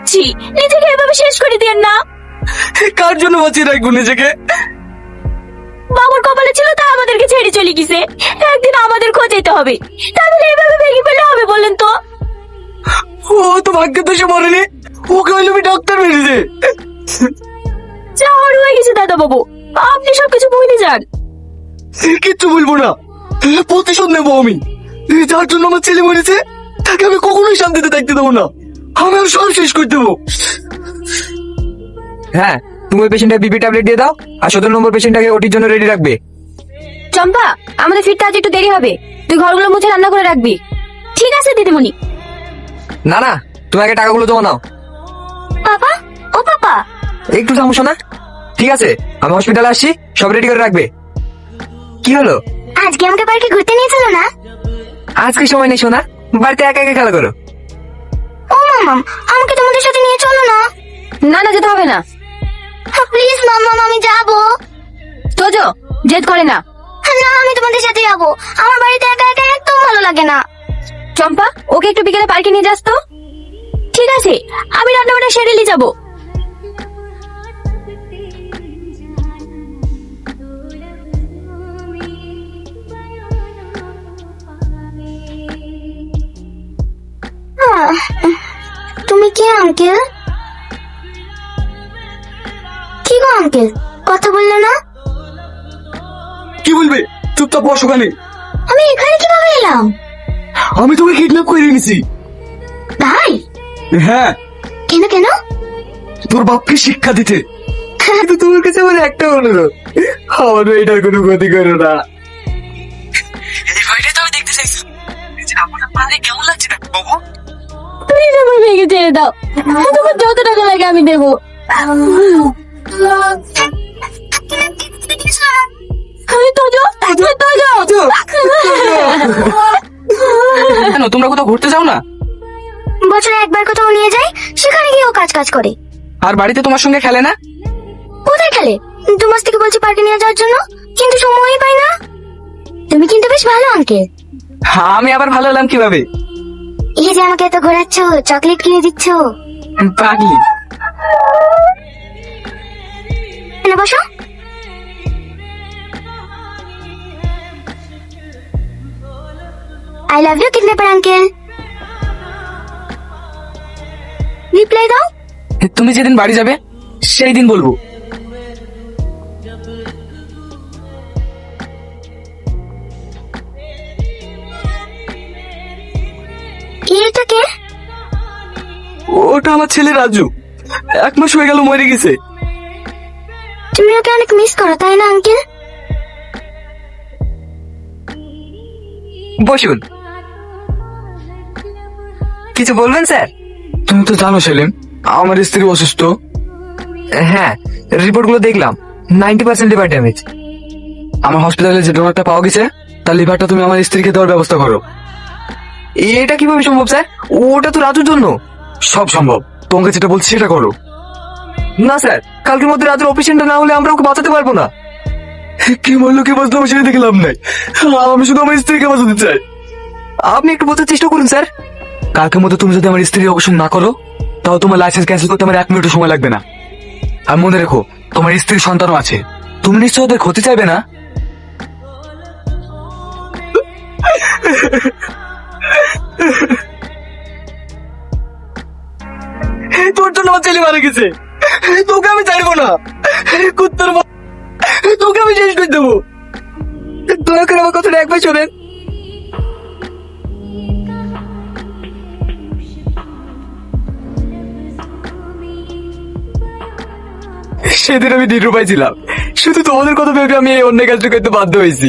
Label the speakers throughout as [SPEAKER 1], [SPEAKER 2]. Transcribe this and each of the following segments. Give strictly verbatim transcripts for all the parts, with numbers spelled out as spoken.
[SPEAKER 1] যাচ্ছি, নিজেকে এভাবে শেষ করে দিয়েন না।
[SPEAKER 2] কার জন্য বাঁচিয়ে রাখবো নিজেকে?
[SPEAKER 1] বাবার কপালে ছিল তা আমাদেরকে ছেড়ে চলে গেছে, একদিন আমাদের খোঁজাইতে হবে, তাহলে এভাবে ভেঙে ফেলে হবে বলেন তো?
[SPEAKER 2] ও তো ভাগ্যে তো সে মরেনি, ওকে হইলো আমি ডাক্তার মেরেছে।
[SPEAKER 1] যা হওয়ার হয়ে গেছে দাদা বাবু, আপনি সবকিছু ভুলে যান।
[SPEAKER 2] কিচ্ছু বলবো না, প্রতিশোধ নেবো আমি। যার জন্য আমার ছেলে মরেছে তাকে আমি কখনোই শান্তিতে থাকতে দেবো না, আমি আর সব শেষ করে দেবো।
[SPEAKER 3] হ্যাঁ, তুমি ওই পেশেন্টটা বিপি ট্যাবলেট দিয়ে দাও, আর সতেরো নম্বর পেশেন্টটাকে ওটির জন্য রেডি রাখবে।
[SPEAKER 1] চম্পা, আমাদের ফিরতে আজ একটু দেরি হবে, তুই ঘরগুলো মুছে রান্না করে রাখবি। ঠিক আছে দিদিমণি।
[SPEAKER 3] না না, তুমি আগে টাকাগুলো জমা নাও।
[SPEAKER 1] পাপা, ও পাপা,
[SPEAKER 3] একটু থামো না। ঠিক আছে, আমি হসপিটালে আসছি, সব রেডি করে রাখবে। কি হলো?
[SPEAKER 1] আজকে আমাকে পার্কে ঘুরতে নিয়ে চলো না?
[SPEAKER 3] আজকে সময় নেই সোনা, বাড়িতে একা একা খেলা করো।
[SPEAKER 1] ও মামাম, আমাকে তোমাদের সাথে নিয়ে চলো না। না না, যেতে হবে না। প্লিজ মামাম, আমি যাবো। তোজো, জেদ করে না। না, আমি তোমাদের সাথে যাবো, আমার বাড়িতে একা একা একদম ভালো লাগে না। চম্পা, ওকে একটু বিকেলে পার্কে নিয়ে যাস তো। ঠিক আছে, আমি রান্নাবান্না সেরে নিয়ে যাবো। তুমি কে আঙ্কেল? কি গো আঙ্কেল, কথা বললে না?
[SPEAKER 2] কি বলবে? চুপচাপ বসো ওখানে।
[SPEAKER 1] আমি এখানে কিভাবে এলাম?
[SPEAKER 2] আমি তোকে কিডন্যাপ করে এনেছি।
[SPEAKER 1] তাই?
[SPEAKER 2] হ্যাঁ,
[SPEAKER 1] কেন কেন?
[SPEAKER 2] তোর বাপকে শিক্ষা দিতে। কিন্তু তোমার কাছে আমার একটা অনুরোধ, আমার এটার কোনো ক্ষতি করো না। এই ভয়টাই তো আমি দেখতে চাইছিলাম, যে আমার পারে কেমন লাগছে না বাবু।
[SPEAKER 1] প্লিজ আমার মেয়েকে ছেড়ে দাও, তোমার যত টাকা লাগে আমি দেবো। তোজো, তোজো,
[SPEAKER 3] কেন, তোমরা কোথাও ঘুরতে যাও না?
[SPEAKER 1] বছরে একবার কোথাও নিয়ে যায়, সেখানে গিয়েও কাজ কাজ করে।
[SPEAKER 3] আর বাড়িতে তোমার সঙ্গে খেলে না?
[SPEAKER 1] কোথায় খেলে? দু মাস থেকে বলছি পার্কে নিয়ে যাওয়ার জন্য, কিন্তু সময়ই পাই না। তুমি কিন্তু বেশ ভালো আঙ্কেল।
[SPEAKER 3] হ্যাঁ, আমি আবার ভালো হলাম কিভাবে?
[SPEAKER 1] এই যে আমাকে এত ঘোরাচ্ছ, চকলেট কিনে দিচ্ছ।
[SPEAKER 3] পাগলি।
[SPEAKER 1] এনে বসো। I love you kidnapper uncle. Reply দাও।
[SPEAKER 3] তুমি যেদিন বাড়ি যাবে সেই দিন বলবো।
[SPEAKER 1] এটা কে?
[SPEAKER 2] ওটা আমার ছেলে রাজু, এক মাস হয়ে গেল মরে গেছে।
[SPEAKER 1] তুমি ওকে অনেক মিস করো তাই না আঙ্কেল?
[SPEAKER 3] বসুন। কিছু বলবেন স্যার?
[SPEAKER 2] তুমি তো জানো সেলিম, আমার স্ত্রী অসুস্থ।
[SPEAKER 3] হ্যাঁ, রিপোর্ট গুলো দেখলাম, নাইনটি পার্সেন্ট লিভার ড্যামেজ।
[SPEAKER 2] আমার হসপিটালে যে ডোনারটা পাওয়া গেছে তার লিভারটা তুমি আমার স্ত্রীকে দেওয়ার ব্যবস্থা করো।
[SPEAKER 3] এটা কিভাবে সম্ভব স্যার? ওটা তো রাজুর জন্য।
[SPEAKER 2] সব সম্ভব, তোমাকে যেটা বলছি সেটা করো।
[SPEAKER 3] না স্যার, কালকের মধ্যে রাজুর অপারেশনটা না হলে আমরা ওকে বাঁচাতে পারবো না।
[SPEAKER 2] কি বললো কি বাঁচলো আমি সেটা দেখে লাভ নাই, আমি শুধু আমার স্ত্রীকে বাঁচাতে চাই।
[SPEAKER 3] আপনি একটু বোঝার চেষ্টা করুন স্যার।
[SPEAKER 2] কালকের মধ্যে তুমি যদি আমার স্ত্রীর অপারেশন না করো তাও তোমার লাইসেন্স ক্যান্সেল করতে আমার এক মিনিটও সময় লাগবে না। আর মনে রেখো, তোমার স্ত্রীর সন্তানও আছে, তুমি নিশ্চয় ওদের ক্ষতি চাইবে না। তোর জন্য আমার ছেলে মারা গেছে, তোকে আমি চাইবো না। কুত্তার মা, তোকে আমি শেষ করে দেবো।
[SPEAKER 3] দয়া করে আমার কথাটা একবার শোনেন।
[SPEAKER 2] সেদিন আমি নিরুপায় ছিলাম, শুধু তোমাদের কথা ভেবে আমি এই অন্য কাজটা করতে বাধ্য হয়েছি।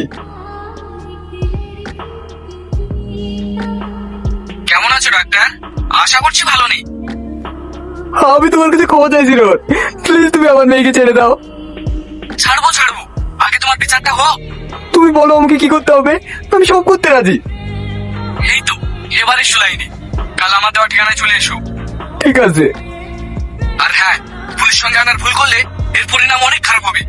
[SPEAKER 3] কেমন আছো ডাক্তার? আশা করছি ভালো নেই।
[SPEAKER 2] আমি তোমার কাছে ক্ষমা চাইছি রোড, প্লিজ তুমি আমার মেয়েকে ছেড়ে দাও।
[SPEAKER 3] ছাড়বো ছাড়বো, আগে তোমার বিচারটা হোক।
[SPEAKER 2] তুমি বলো আমাকে কি করতে হবে, আমি সব করতে রাজি।
[SPEAKER 3] এই তো এবারে শুলাইনি, কাল আমার দেওয়া ঠিকানায় চলে এসো।
[SPEAKER 2] ঠিক আছে।
[SPEAKER 3] আর হ্যাঁ, পুলিশ সঙ্গে আনার ভুল করলে এর পরিণাম অনেক খারাপ হবে।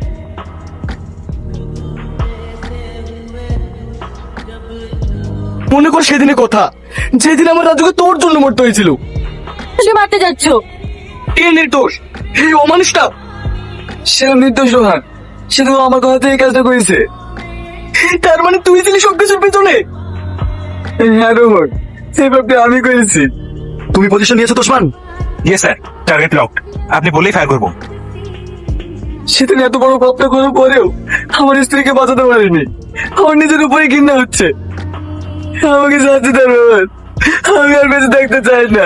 [SPEAKER 2] মনে কর সেদিনের কথা, যেদিন আমার রাজুকে তোর জন্য মরতে হয়েছিল।
[SPEAKER 1] মারতে যাচ্ছ?
[SPEAKER 2] কে নির্দোষ? এই অমানুষটা সে নির্দোষ রোহান, সে তো আমার কথা থেকে কাজটা করেছে। তার মানে তুই ছিলি সব কিছুর পেছনে? হ্যাঁ রোহন, এই ব্যাপারটা আমি করেছি।
[SPEAKER 4] তুমি পজিশন নিয়েছো তোষমান? Yes sir, target locked. আপনি বললেই ফায়ার করবো।
[SPEAKER 2] সেদিন এত বড় পাপটা করার পরেও আমার স্ত্রীকে বাঁচাতে পারিনি। আমার নিজের উপরে ঘৃণা হচ্ছে। আমাকে শাস্তি দেন রোহন, আমি আর বেঁচে থাকতে চাই না।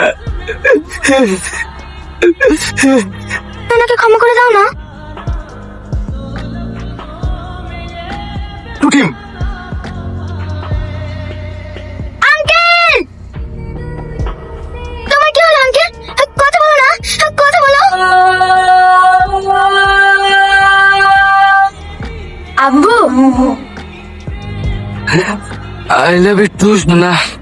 [SPEAKER 1] ওনাকে ক্ষমা করে দাও না।
[SPEAKER 4] টু টিম,
[SPEAKER 1] আঙ্কেল, তোমার কি হলো আঙ্কেল? কথা বলো না, কথা বলো। আব্বু,
[SPEAKER 2] আই লাভ ইউ টু না।